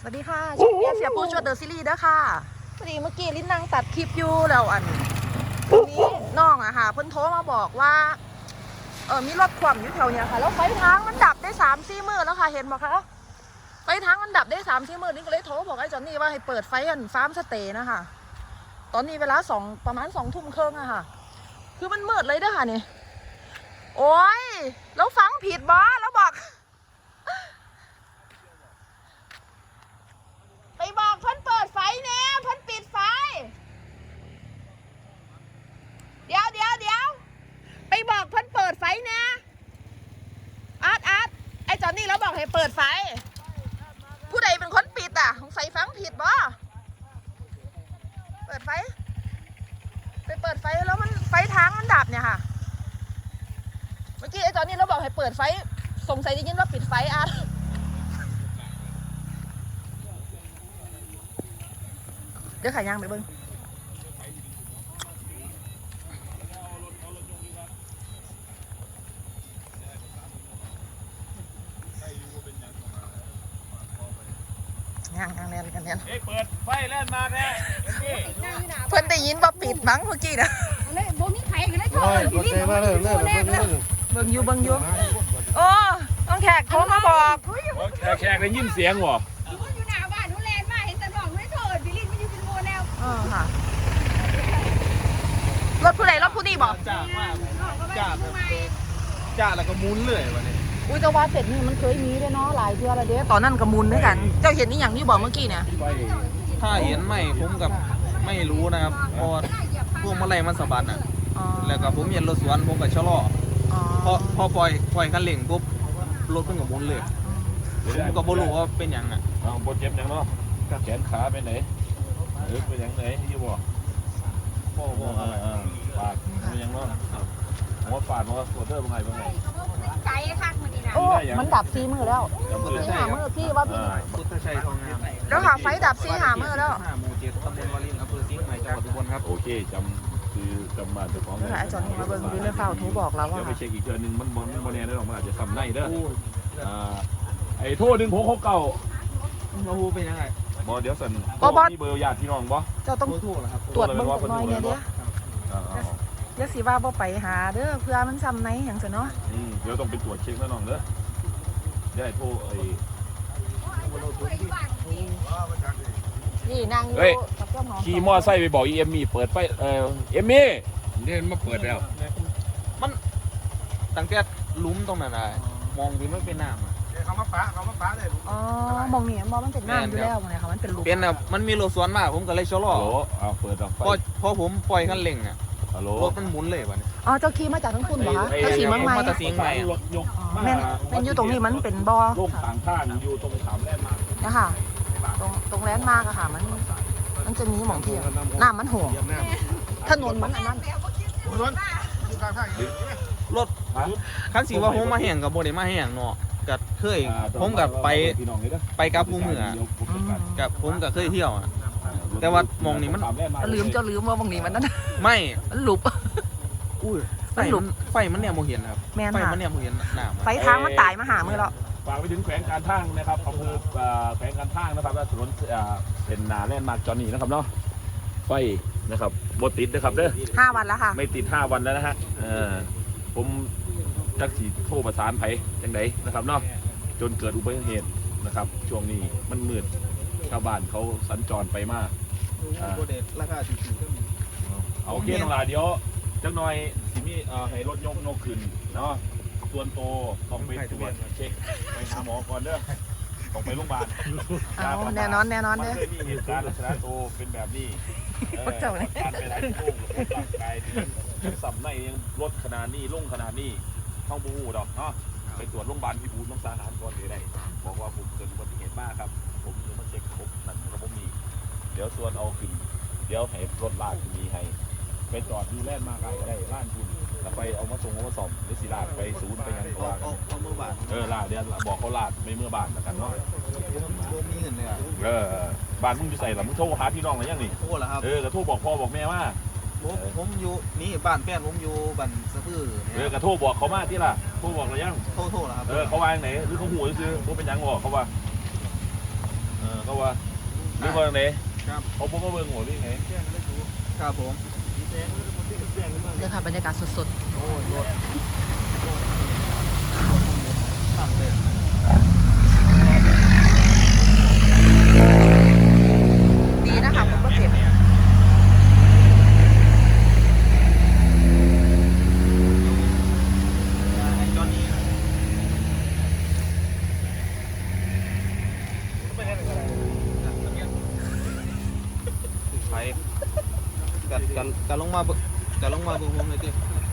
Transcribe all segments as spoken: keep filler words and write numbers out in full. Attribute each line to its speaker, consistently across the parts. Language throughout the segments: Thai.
Speaker 1: วัสดีค่ะช่องเมียเสียปูชวดเดอะซีรีส์เด้อค่ะพอดีเมื่อกี้ลิ้นนั่งตัดคลิปอยู่แล้วอันนี้น้องอะค่ะเพิ่นโทรมาบอกว่าเออมีรถคว่ำอยู่แถวเนี้ยค่ะแล้วไฟทางมันดับได้สามสี่มื้อแล้วค่ะเห็นบอกคะไฟทางมันดับได้สามสี่มื้อนี่ก็เลยโทรบอกไอ้จอนนี่ว่าให้เปิดไฟอันฟาร์มสเตย์นะคะตอนนี้เวลาสองประมาณสองทุ่มครึ่งอะค่ะคือมันมืดเลยเด้อค่ะนี่โอ้ยแล้วฟังผิดบอแล้วบอกไปบอกเพิ่นเปิดไฟเนี่ยเพิ่นปิดไฟเดี๋ยวเดี๋ยวเดี๋ยวไปบอกเพิ่นเปิดไฟเนี่ยอาร์ตอาร์ตไอ้จอนนี่แล้วบอกให้เปิดไฟผู้ใดเป็นคนปิดอ่ะของใส่ฟังผิดบ่เปิดไฟไปเปิดไฟแล้วมันไฟทางมันดับเนี่ยค่ะเมื่อกี้ไอ้จอนนี่แล้วบอกให้เปิดไฟสงสัยได้ยินว่าปิดไฟอาร์ตเดี๋ยวขายยางไปเบิ้งยางยางแน่นกันแน่น
Speaker 2: เฮ้ยเปิดไฟแล่นมาแน่
Speaker 1: เพิ่นได้ยินว่าปิดมั้งเมื่อกี้นะ
Speaker 3: เลยบ่มีไผก็เลยโทรพี่ลิ้นมาเลยเลยเลยเลย
Speaker 1: เบิ่งอยู่เบิ่งอยู่โอ้ต้องแขกโทรมาบอก
Speaker 2: แขกแขกได้ยินเสียงวะ
Speaker 3: อยู่หน้าบ้านหนูแลนมาเห็นแต่น้องไม่โทรพี่ลิ้นมันอยู่เป็นโมแล้ว
Speaker 1: เออค่ะรถผู้ใดรถผู้นี่บอก
Speaker 2: จ้ามาก
Speaker 3: น้องก็ไม่ทำไม
Speaker 2: จ้าแล้วก็มุนเลยวันนี้
Speaker 1: อุ้ยแต่ว่าเสร็จนี่มันเคยมีด้วยเนาะหลายเทื่อแล้วเด้ตอนนั้นกับมุนด้วยกันเจ้าเห็นนี่อย่างที่บอกเมื่อกี้เนี่ย
Speaker 4: ถ้าเห็นไม่ผมกับไม่รู้นะครับเพราะพวกมะเร็งมันสะบัดอ่ะ
Speaker 1: อ๋อ
Speaker 4: แล้วก็ผมเห็นรถสวนผมก็ชะลอ
Speaker 1: อ๋อ
Speaker 4: พอพอปล่อยปล่อยคันเร่งปุ๊บรถเพิ่งกับมุนเลยผมก็บ่รู้ว่าเป็นหยังอ่ะ
Speaker 2: อ้าวบนเจ็บยังเนาะแขนขาไปไหนหรือไปยังไหนยี่บอกพ่อพ่ออ่าปากไปยังเนาะหัวปาดหัวตัวเตอร์เป็นไงเป็นไง
Speaker 3: ใจคักมันนี่นะ
Speaker 1: โอ้มันดับซีมือแล้วซีหามือพี่ว่าพี่
Speaker 4: พุทธชัยทองงาม
Speaker 1: แล้วค่ะไฟดับซีหามือแล้ว
Speaker 4: ห้าหมู่เจ็ดตำบลวารินอำเภอสิงห์ใหม่จังหวัดอุบลครับ
Speaker 2: โอเคจำคือจำมาเจ้าของ
Speaker 1: นี่ค่ะไอ้จอนนี่มาเบิ่งดูเรื่องเฝ้าโทรบอกเราว่า
Speaker 2: เดี๋ยวไปเช็คอีกเดือนหนึ่งมันมันมันแน่ได้หรอกมันอาจจะทำในเด้ออ่าไอ้โทษหนึ่งหกหกเก้า
Speaker 4: มาฮูเป็นยังไง
Speaker 2: บอเดี๋ยวสัน
Speaker 1: บ่บ่
Speaker 2: มีเบอร์ญาติพี่น้องบ่
Speaker 1: เจ้าต้อง
Speaker 4: โทรเหรอครับ
Speaker 1: ตรวจเบิ่งจักหน่อยเนี่ยเด้อ
Speaker 2: อ่า
Speaker 1: อย่าสิว่าบ่ไปหาเด้อเพื่อมันซ้ำในหยังซะเนาะ
Speaker 2: ๆอืมเดี๋ยวต้องไปตรวจเช็คแน่นอนเด้อเดี๋ยวไอ้โทษไอ้
Speaker 1: นี่นางอยู่
Speaker 2: เฮ้ย
Speaker 1: กับเจ้าหนอน
Speaker 2: ขี่มอไซค์ไปบอกอีเอ็มมี่เปิดไฟเอ่อเอ็มมี่เดินมาเปิดแล้ว
Speaker 4: มันตั้งแต่หลุมตรงนั้นอะมองดูไม่เป็นน้ำอะ
Speaker 5: เขามาปะเขามาปะเลย
Speaker 1: อ๋อมองนี่มองมันเป็นน้ำอยู่แล้วไงค่ะมันเป็นรู
Speaker 4: เป็นอะมันมีรถสวนมากผมก็เลยชะลอ
Speaker 2: ฮัลโหลเอาเปิดดับไฟ
Speaker 4: พอพอผมปล่อยคันเร่งอะ
Speaker 2: ฮัลโหล
Speaker 4: รถมันหมุนเลยวันนี้
Speaker 1: อ๋อเจ้าขี่มาจากทั้งคุณเหรอคะเจ้าขี่เมืองใหม่
Speaker 4: มาจากเสียงใหม่อะ
Speaker 2: รถยก
Speaker 1: อ๋อแม่นแม่นอยู่ตรงนี้มันเป็นบ่อ
Speaker 2: ลงทางข้างอยู่ตรงสามแลนด์มาร์ค
Speaker 1: นะคะตรงตรงแลนด์มาร์กอะค่ะมันมันจะมีหม่องเที่ยวน้ำมันห่วงถนนมันอันนั้น
Speaker 5: รถอยู่กลางทาง
Speaker 4: รถคันสีว่าผมมาแห่งกับโบเดมาแห่งเนาะกับเคยผมกับไป
Speaker 2: พี่น้องเลยเด้อ
Speaker 4: ไปกับผู้เหนือกับผมกับเคยเที่ยวอะแต่ว่ามองนี่มัน
Speaker 1: จะลืมเจ้าลืมว่าหม่องนี้มันนั่น
Speaker 4: ไม่
Speaker 1: มันหลุบ
Speaker 4: อุ้ยไฟ
Speaker 1: มันหลุ
Speaker 4: มั
Speaker 1: ม
Speaker 4: นไฟมันเนี่ยโมเห็นครับ
Speaker 1: แม่น
Speaker 4: ไฟ
Speaker 1: ค่ะ
Speaker 4: มันเนี่ยโมเห็นหน้า
Speaker 1: ไฟทางมันตายมาหามือแล้ว
Speaker 2: ฝากไปถึงแขวงการทางนะครับอำเภอเอ่อแขวงการทางนะครับและถนนเอ่อเป็นนาแลนด์มาร์คจอห์นนี่นะครับเนาะไฟนะครับบดติดนะครับเด้อ
Speaker 1: ห้าวันแล้วค่ะ
Speaker 2: ไม่ติดห้าวันแล้วนะฮะเออผมจักสีโทรประสานไผจังไดนะครับเนาะจนเกิดอุบัติเหตุนะครับช่วงนี้มันมืดชาวบ้านเขาสัญจรไปมาก
Speaker 4: โบเดราคาสี่สิบก็มี
Speaker 2: เอาโอเคน้องหลาเดี๋ยวจักหน่อยสิมีเอ่อให้รถยกนกขึ้นเนาะส่วนโตต้องไปตรวจเช็คไปหาหมอก่อนเด้อต้องไปโรงพยาบาล
Speaker 1: เอาแน่นอนแน่นอน
Speaker 2: มัน
Speaker 1: เด้อ
Speaker 2: เคยมีเหตุการณ์ลักษณะโตเป็นแบบนี้เออ
Speaker 1: เจ้าเนี่ย
Speaker 2: การไปไหนโค้งกับร่างกายที่สับในยังลดขนาดนี้ลงขนาดนี้ท้องบูดอกเนาะไปตรวจโรงพยาบาลพิบูลมังสาหารก่อนเลยได้บอกว่าผมเกิดอุบัติเหตุมากครับผมจะมาเช็คครบนั่นระบบนี้เดี๋ยวส่วนเอาขึ้นเดี๋ยวให้รถลากมีให้ไปจอดดูแลนด์มาไกลก็ได้ล้านคุณแล้วไปเอามาส่งเอามาสอบหรือสิลากไปศูนย์ไปยังตัวกัน
Speaker 4: เอามือบาท
Speaker 2: เออลาเดี๋ยวบอกเขาลาดไม่เมื่อบานแล้วกันเนาะ
Speaker 4: ผมผมมีเงินเลยอ่ะ
Speaker 2: เออบ้านมึงจะใส่หรอมึงโทรหาพี่น้องอะไรยังนี่
Speaker 4: โทษแล้วครับ
Speaker 2: เออกระโทรบอกพ่อบอกแม่ว่า
Speaker 4: ผมผมอยู่นี่บ้านแฟนผมอยู่บ้านสะพื้อ
Speaker 2: เอ
Speaker 4: เนี่
Speaker 2: อย กระโทรบอกเขามาที่ล่ะโทรบอกอะไรยัง
Speaker 4: โทษโทษแล้วครับ
Speaker 2: เออเขาวางไหนหรือเขาหูซื้อเขาเป็นยังบอกเขาว่าเออก็ว่าเรื่องว่าไหน
Speaker 4: ครับ
Speaker 2: เขาบอกว่าเบิ่งหัวนี่ไง
Speaker 4: ครับผม
Speaker 1: เดี๋ยวค่ะบรรยากาศสด
Speaker 4: โอ้ยรถสั่งเลย
Speaker 1: ๆดีนะคะผมก็เจ็บ
Speaker 4: ไอ้จอนนี่ไปกัดกันกันลงมาเบิ่งกันลงมาเบิ่งผมเลยดิ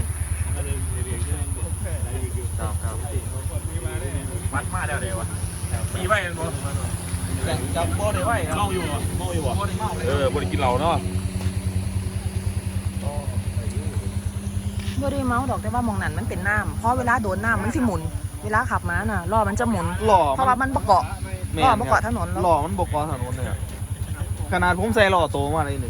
Speaker 4: ครับครับ
Speaker 2: มัดมาแล้วเดี๋ยววะมีไว้กันบ่
Speaker 4: แต่จับบ่ได้ไว้ครับ
Speaker 2: เมาอยู่บ่เมาอยู่บ่
Speaker 4: บ่ได้เมาเลย
Speaker 2: เออบ่ได้กินเหล้าเนาะ
Speaker 1: บ่ได้เมาดอกแต่ว่ามองนั่นมันเป็นน้ำเพราะเวลาโดนน้ำมันสิหมุน เวลาขับมาน่ะล้อมันจะหมุน
Speaker 4: หล่อ
Speaker 1: เพราะว่ามันประเกาะ
Speaker 4: แม่
Speaker 1: ล้อ
Speaker 4: ค
Speaker 1: ป
Speaker 4: รับ
Speaker 1: ระเกาะถนนแล้ว
Speaker 4: หล่อมันบกเกาะถนนเลยอะขนาดผมใส่หล่อโตมาเลยนี่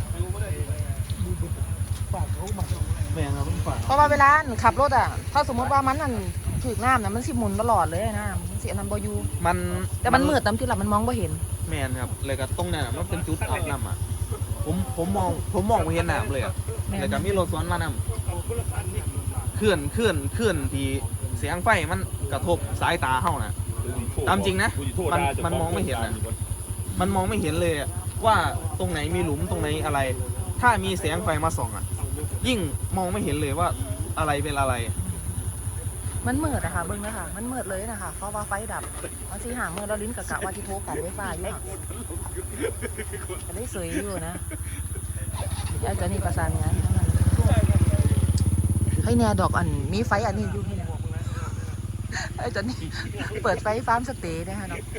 Speaker 4: แม่ครับผมฝาก
Speaker 1: เพราะว่าเวลาขับรถอ่ะ ถ้าสมมติว่ามันนั่นถึกน้ำน่ะมันสิหมุนตลอดเลยนะมันสิอันนั้นบ่อยู่
Speaker 4: มัน
Speaker 1: แต่มันมืดตามที่หลับมันมองบ่เห็น
Speaker 4: แม่นครับเลยก็ตรงนั้นอะมันเป็นจุดอาบน้ำอ่ะผมผมมองผมมองไม่เห็นน้ำเลยอ่ะ
Speaker 1: แม่น
Speaker 4: เลยก็มีรถสวนมานำเคลื่อนเคลื่อนเคลื่อนที่เสียงไฟมันกระทบสายตาเฮาน่ะ ตามจริงนะมันมันมองไม่เห็นนะ มันมองไม่เห็นเลยอะว่าตรงไหนมีหลุมตรงไหนอะไร ถ้ามีแสงไฟมาส่องอ่ะ ยิ่งมองไม่เห็นเลยว่าอะไรเป็นอะไร
Speaker 1: มันมืดอะค่ะเบิ่งนะคะมันมืดเลยนะคะเพราะว่าไฟดับมันสิหามืดแล้วลิ้นกะกะว่าที่โทรกันไฟฟ้าอยู่ค่ะจะได้สวยอยู่นะยายจะนี่ประสานงานทั้งนั้นให้แน่ดอกอันมีไฟอันนี้อยู่ที่ไหนไอ้จะนี่เปิดไฟฟาร์มสเตย์นะคะเนาะ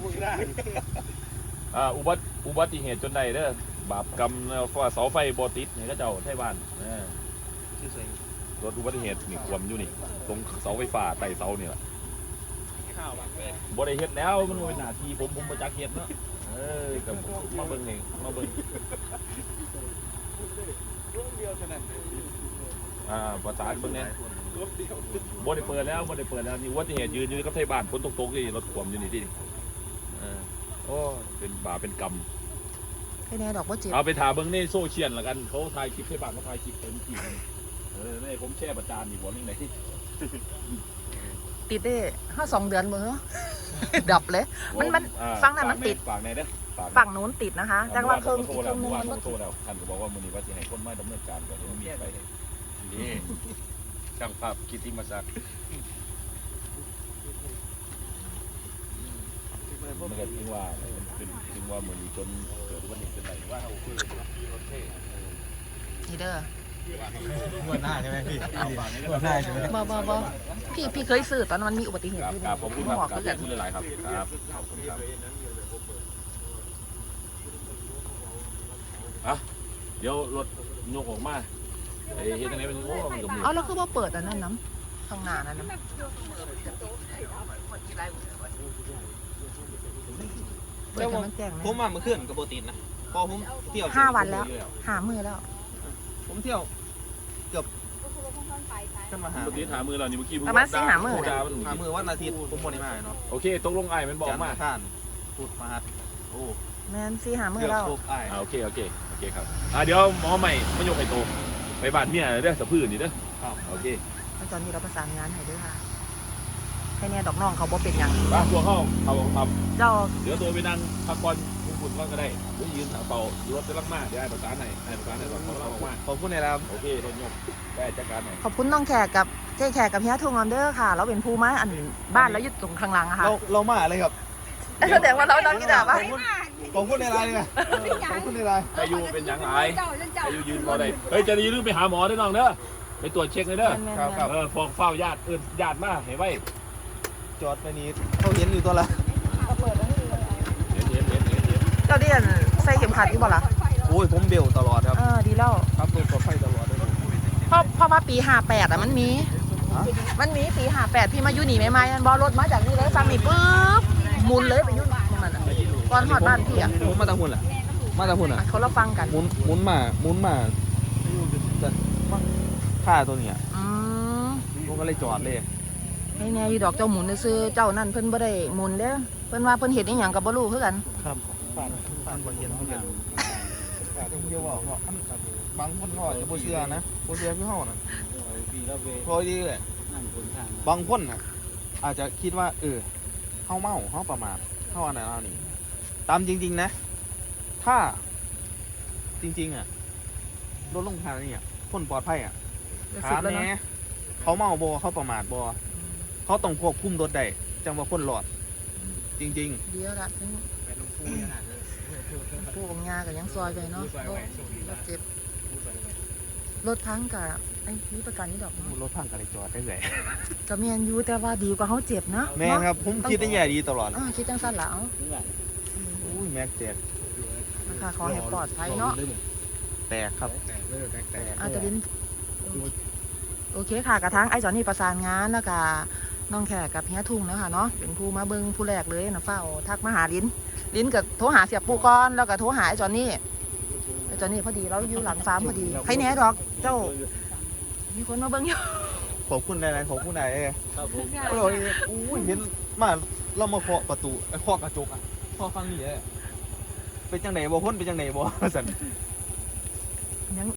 Speaker 2: อ่าอุบัติอุบัติเหตุจนใดเด้อบาปกรรมฟ้าเสาไฟบ่ติดนี่ก็เจ้าไทบ้านเออรถอุบัติเหตุนี่ควมอยู่นี่ตรงเสาไฟฟ้าใต้เสานี่แหละบ่ได้เฮ็ดแล้วมันเป็นหน้าที่ผมผมบ่จักเฮ็ดเนาะเออกับมาเบิ่งนี่มาเบิ่งอ่าประสานเบิ่งเนี่ยบ่ได้เปิดแล้วบ่ได้เปิดแล้วนี่อุบัติเหตุยืนอยู่กับไทบ้านฝนตกๆนี่รถควมอยู่นี่ดิเออโอ้เป็นบาปเป็นกรรม
Speaker 1: ให้แน่ดอกว่าเจ็บ
Speaker 2: เอาไปถามเบิ้งในโซเชียลละกันเขาถ่ายคลิปให้บ้านเขาถ่ายคลิปเต็มที่เลยเออในผมแช่ประจานอีกวันนึงไหน
Speaker 1: ติดได้ห้าสองเดือนมือ ดับเลย มันมัน
Speaker 2: อ่า
Speaker 1: ฟังน่ะมันติด
Speaker 2: ฝากในเด้อฝาก
Speaker 1: ฝั่งนู้นติดนะคะ แต่ว่าเครื่อง
Speaker 2: โท
Speaker 1: อี
Speaker 2: ร
Speaker 1: กเค
Speaker 2: แล้ว
Speaker 1: รื่องนึง
Speaker 2: ว่า
Speaker 1: มัน
Speaker 2: โทรแล้วท่านก็บอกว่ามือนี้ว่าจะให้คนมาดำเนินการก่อนมีไปนี่ช่างภาพกิตติมศักดิ์มันก็ถึงว่ามันเป็นถึงว่าเหมือนจนเกิดอุบัติเหตุจนไหนว่าเขาคือรถเท่
Speaker 1: นี่เด้อ
Speaker 4: หัวหน้าใช่ไหมพี่
Speaker 2: เอาฝากในเด้
Speaker 4: หัวหน้าใช่ไหม
Speaker 1: บ่บ่บ่พี่พี่เคยซื้อตอนมันมีอุบัติเหตุ
Speaker 2: ครับ
Speaker 1: ด้วย
Speaker 2: ครับผมคุณครับ
Speaker 1: บอก
Speaker 2: ครั
Speaker 1: ก็
Speaker 2: บ
Speaker 1: กัน
Speaker 2: คุณหลายๆครับครับขอบคุณครับอ่ะเดี๋ยวรถยกออกมาไอ้เฮ็ดจังได๋เป็นโอ้มันก็มือ
Speaker 1: เอาแล้วคือว่าเปิดอันนั้นน้ำข้างหน้านั้นน้ำเปิดให้มันแจ้ง
Speaker 4: ผม
Speaker 1: นะ
Speaker 4: มาเมื่อคืนกับโบตินนะพอผมเที่ยว
Speaker 1: ห้าวันแล้ว หามือแล้ว
Speaker 4: ผมเที่ยวขึ้นมาหา
Speaker 2: ปกติหามือเรานี่เมื่อกี้
Speaker 1: ประมาณสี่หามื้อ
Speaker 2: โทรด่
Speaker 4: หามือวันอาทิตย์ผมบริมาเนาะ
Speaker 2: โอเคตกลงอ้ายมันบอก
Speaker 4: จันทร์
Speaker 2: มา
Speaker 4: อังคารพุธพฤหัสโอ้
Speaker 1: แมนสี่หามือ
Speaker 4: เกือบ
Speaker 1: แล้ว
Speaker 4: ครบไอ้าย
Speaker 2: อ่าโอเคโอเคโอเคครับอ่าเดี๋ยวหมอใหม่มายกไอ้โตไปบ้านเมียเด้อสะพื้นนี่เด้อ
Speaker 4: ครับ
Speaker 2: โอเค
Speaker 1: แล้วตอนนี้เราประสานงานให้ด้วยค่ะให้แน่ดอกน้องเขาบ่เป็นหยัง
Speaker 2: บ้านพวกเขาเขาท
Speaker 1: เจ้า
Speaker 2: ำเดี๋ยวตัวไปนั่งพักผ่อนคุ้มคุณก่อนก็ได้หรือยืนเป่ารถจะลักมากเดี๋ยวไอ้ประสานให้ไอ้ประสานให้ว่าเขาเราออกมา
Speaker 4: ขอบคุณนะครับ
Speaker 2: โอเครถยกได้จัดการหน่อย
Speaker 1: ขอบคุณน้องแขกกับเจ๊แขกกับเฮียทงออนเดอร์ค่ะ เราเป็นผู้มาอันบ้านแล้วอยู่ตรงข้างหลังอะค่ะ
Speaker 4: เราเรามาอะไรครับ
Speaker 1: แสดงว่าเราเรากี่ดาบ
Speaker 4: ข
Speaker 1: วะ
Speaker 4: อบคุณขอบคุณในไลน์เลยขอบคุณในไลน์
Speaker 2: อายุเป็นหยังไง
Speaker 3: เจ้าเจ้า
Speaker 2: อายุยืนรอได้เฮ้ยจะยืนไปหาหมอได้น้องเด้อไปตรวจเช็คเลยเด้อ
Speaker 1: แม่น
Speaker 4: ครับ
Speaker 1: ๆ
Speaker 4: ครับ
Speaker 2: เออฟองเฝ้าญาติเอินญาติมาให้ไว้
Speaker 4: จอดไปนี้เขาเห็นอยู่ตัวละ
Speaker 2: เห็นเห็นเห็นเห็นเห็น
Speaker 1: เจ้าเดียนใส่เข็มขัดอยู่บ่ล่ะ
Speaker 4: โอ้ยผมเบลตลอดครับ
Speaker 1: เออดีแล้ว
Speaker 4: ครับตัวปลอดภัยตลอดเลย
Speaker 1: เพราะเพราะว่าปีห้าแปดอะมันมี
Speaker 4: ฮะ
Speaker 1: มันมีปีห้าแปดพี่มาอยู่นี่ไหมๆมันบอรถมาจากนี่เลยฟังนี่ปุ๊บหมุนเลยไปอยุ่นตรงนั้นอะก่อนหอดบ้านพี่อะ
Speaker 4: ผมมาตะหุ่นแหละมาตะหุ่นอ่ะ
Speaker 1: เขาเราฟังกัน
Speaker 4: หมุนหมุนมาหมุนมาแต่ค่าตัวเนี้ย
Speaker 1: อืม
Speaker 4: ผมก็เลยจอดเลย
Speaker 1: ให้แน่อยู่ดอกเจ้าหมุนซื้อเจ้านั่นเพิ่นบ่ได้หมุนเด้อเพิ่นว่าเพิ่นเห็นอีหยังก็บ่รู้คือกัน
Speaker 4: ครับผ่านผ่านบ่เห็นบ่เห็นเดี๋ยวว่าเพราะอันบางคนก็อาจจะบ่เชื่อนะบ่เชื่อคือเฮาน่ะพอดีเลยบางคนน่ะอาจจะคิดว่าเออเฮาเมาเฮาประมาทเฮาอันนั้นอันนี้ตามจริงๆนะ ถ้าจริงๆอ่ะรถลงทางนี่อ่ะคนปลอดภัยอ่ะ
Speaker 1: เดี๋ยว
Speaker 4: ถา
Speaker 1: สิบ
Speaker 4: ม
Speaker 1: แล้ว
Speaker 4: แห
Speaker 1: เนาะ
Speaker 4: น่เขาเมาบ่เขาประมาทบ่เขาต้องควบคุมรถได้จังว่าคนรอด จริง
Speaker 1: เดี๋ยวละถึงผู้ของยาก็ยังซอยไปเนาะรถเจ็บรถพังกับไอ้มีประกันนี่ดอกเนาะ
Speaker 4: ๆรถพังก็เลยจอดได้เลย
Speaker 1: ก็แม่นอยู่แต่ว่าดีกว่าเขาเจ็บเนาะ
Speaker 4: แม่นครับผมคิดได้แย่ดีตลอด
Speaker 1: อ่าคิดจังซั่นล่ะเอา
Speaker 4: อุ้ยแม็กแตก
Speaker 1: นะคะขอให้ปลอดภัยเนาะ
Speaker 4: แตกครับ
Speaker 1: อาจจะลิ้นโอเคค่ะกระทั่งไอ้จอนนี่ประสานงานแล้วก็น้องแขกกับเฮียทุ่งเนาะค่ะเนาะเป็นผู้มาเบิ่งผู้แรกเลยนะเฝ้าทักมาหาลิ้นลิ้นก็โทรหาเสียปูก่อนแล้วก็โทรหาไอ้จอนนี่ไอ้จอนนี่พอดีเราอยู่หลังฟาร์มพอดีใครแหน่ดอกเจ้ามีคนมาเบิ่งอยู่
Speaker 4: ขอบคุณหลายๆขอบคุณหลายเลยโอ้ยอุ้ยเห็นมาเรามาเคาะประตูไอ้เคาะกระจกอ่ะเคาะฟังนี่เลยเป็นจังไหนบ่คนเป็นจังไหนบ่สั่น
Speaker 1: ยัง